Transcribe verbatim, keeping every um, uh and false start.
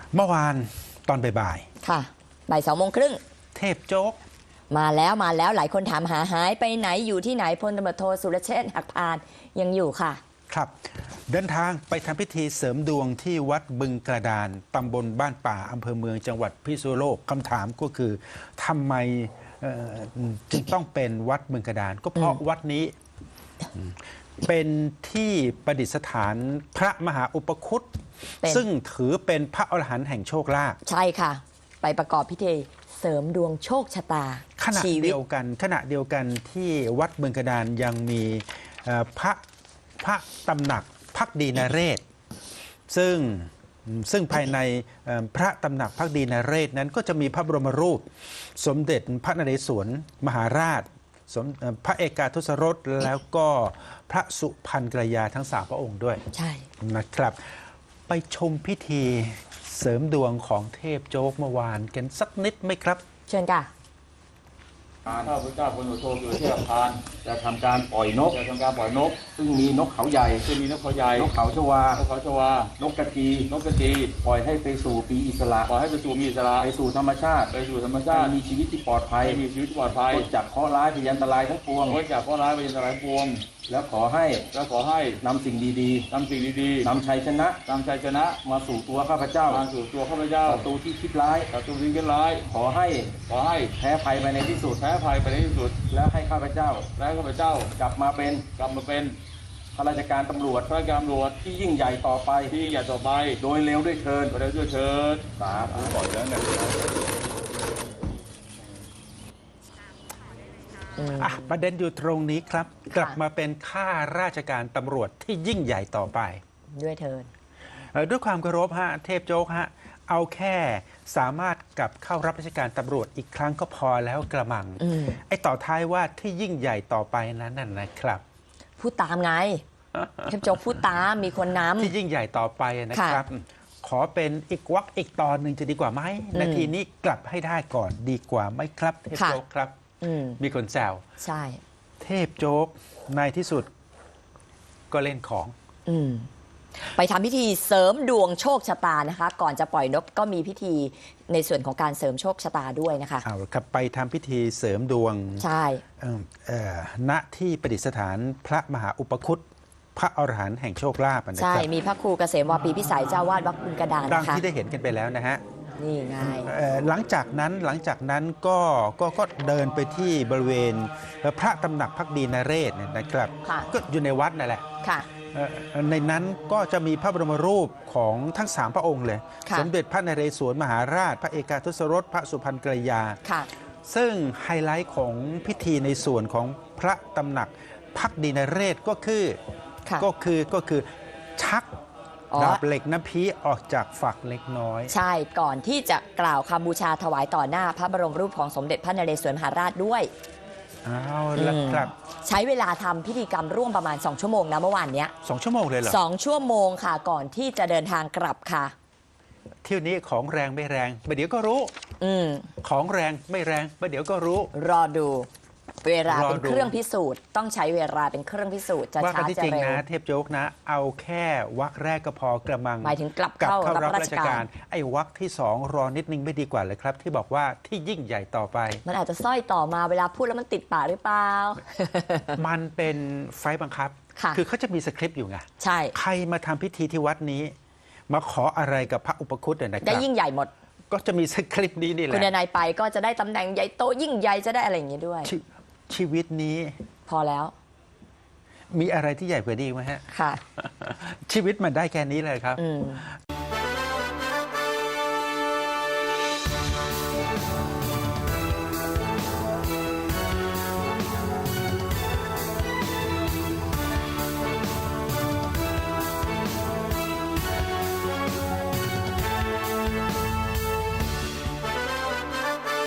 เมื่อวานตอนบ่ายค่ะบ่ายสองโมงครึ่งๆเทพโจ๊กมาแล้วมาแล้วหลายคนถามหาหายไปไหนอยู่ที่ไหนพลตำรวจโทสุรเชษฐ์หักพานยังอยู่ค่ะครับเดินทางไปทำพิธีเสริมดวงที่วัดบึงกระดานตำบลบ้านป่าอำเภอเมืองจังหวัดพิษณุโลกคำถามก็คือทำไมจึงต้องเป็นวัดบึงกระดานก็เพราะวัดนี้เป็นที่ประดิษฐานพระมหาอุปคุตซึ่งถือเป็นพระอรหันต์แห่งโชคลาภใช่ค่ะไปประกอบพิธีเสริมดวงโชคชะตาขณะเดียวกันขณะเดียวกันที่วัดบึงกระดานยังมีพระพระตำหนักภักดีนเรศซึ่งซึ่งภายในพระตำหนักภักดีนเรศนั้นก็จะมีพระบรมรูปสมเด็จพระนเรศวรมหาราชพระเอกาทศรสแล้วก็พระสุพรรณกรยาทั้งสามพระองค์ด้วยใช่นะครับไปชมพิธีเสริมดวงของเทพโจ๊กเมื่อวานกันสักนิดไหมครับเชิญค่ะข้าพเจ้าพลตำรวจโทสุรเชษฐ์หักพานจะทำการปล่อยนกจะทำการปล่อยนกซึ่งมีนกเขาใหญ่ซึ่งมีนกเขาใหญ่นกเขาชวานกเขาชวานกกระจีนกกระจีปล่อยให้ไปสู่ปีอิสระปล่อยให้ไปสู่มีอิสระไปสู่ธรรมชาติไปสู่ธรรมชาติมีชีวิตที่ปลอดภัยมีชีวิตที่ปลอดภัยพ้นจากเคราะห์ร้ายพยันตรายทั้งปวงพ้นจากเคราะห์ร้ายพยันตรายทั้งปวงแล้วขอให้แล้วขอให้นำสิ่งดีๆนำสิ่งดีๆนำชัยชนะนำชัยชนะมาสู่ตัวข้าพเจ้ามาสู่ตัวข้าพเจ้าศัตรูที่คิดร้ายศัตรูที่คิดร้ายขอให้ขอให้แพ้ภัยไปในที่สุดแพ้ภัยไปในที่สุดแล้วให้ข้าพเจ้าแล้วข้าพเจ้ากลับมาเป็นกลับมาเป็นข้าราชการตำรวจข้าราชการตำรวจที่ยิ่งใหญ่ต่อไปที่ยิ่งใหญ่ต่อไปโดยเร็วด้วยเชิญโดยเร็วด้วยเชิญสาธุปล่อยแล้วเนี่ยประเด็นอยู่ตรงนี้ครับกลับมาเป็นข้าราชการตำรวจที่ยิ่งใหญ่ต่อไปด้วยเทินด้วยความเคารพฮะเทพโจ๊กฮะเอาแค่สามารถกลับเข้ารับราชการตำรวจอีกครั้งก็พอแล้วกระมังไอ้ต่อท้ายว่าที่ยิ่งใหญ่ต่อไปนั้นน่ะนะครับพูดตามไงเทพโจ๊กพูดตามมีคนนำที่ยิ่งใหญ่ต่อไปนะครับขอเป็นอีกวักอีกตอนหนึ่งจะดีกว่าไหมนาทีนี้กลับให้ได้ก่อนดีกว่าไหมครับเทพโจ๊กครับมีคนแซวใช่เทพโจ๊กในที่สุดก็เล่นของอืมไปทำพิธีเสริมดวงโชคชะตานะคะก่อนจะปล่อยนกก็มีพิธีในส่วนของการเสริมโชคชะตาด้วยนะคะเอาครับไปทำพิธีเสริมดวงใช่ณที่ประดิษฐานพระมหาอุปคุตพระอรหันต์แห่งโชคลาภนะครับใช่มีพระครูเกษมวาปีพิสัยเจ้าวาดวัดบึงกระดานดังที่ได้เห็นกันไปแล้วนะฮะนี่ไงหลังจากนั้นหลังจากนั้นก็ก็ก็เดินไปที่บริเวณพระตำหนักภักดีนเรศนะครับก็อยู่ในวัดนั่นแหละในนั้นก็จะมีพระบรมรูปของทั้งสามพระองค์เลยสมเด็จพระนเรศวรมหาราชพระเอกาทศรสพระสุพรรณกรยาซึ่งไฮไลท์ของพิธีในส่วนของพระตำหนักภักดีนเรศก็คือก็คือก็คือชักดาบเหล็กน้ำพีออกจากฝักเล็กน้อยใช่ก่อนที่จะกล่าวคำบูชาถวายต่อหน้าพระบรมรูปของสมเด็จพระนเรศวรมหาราชด้วยเอาละครับใช้เวลาทำพิธีกรรมร่วมประมาณสองชั่วโมงนะเมื่อวานนี้สองชั่วโมงเลยเหรอสองชั่วโมงค่ะก่อนที่จะเดินทางกลับค่ะเที่ยวนี้ของแรงไม่แรงประเดี๋ยวก็รู้อืมของแรงไม่แรงประเดี๋ยวก็รู้รอดูเวลาเป็นเครื่องพิสูจน์ต้องใช้เวลาเป็นเครื่องพิสูจน์จะช้าจะเร็วนะเทพโจ๊กนะเอาแค่วักแรกก็พอกระมังหมายถึงกลับเข้ารับราชการไอ้วักที่สองรอนิดนึงไม่ดีกว่าเลยครับที่บอกว่าที่ยิ่งใหญ่ต่อไปมันอาจจะสร้อยต่อมาเวลาพูดแล้วมันติดปากหรือเปล่ามันเป็นไฟบังคับคือเขาจะมีสคริปต์อยู่ไงใช่ใครมาทำพิธีที่วัดนี้มาขออะไรกับพระอุปคุตเนี่ยนะครับได้ยิ่งใหญ่หมดก็จะมีสคริปต์นี้นี่แหละคุณนายไปก็จะได้ตำแหน่งใหญ่โตยิ่งใหญ่จะได้อะไรอย่างนี้ด้วยชีวิตนี้พอแล้วมีอะไรที่ใหญ่กว่านี้ไหมฮะค่ะชีวิตมันได้แค่นี้เลยครับ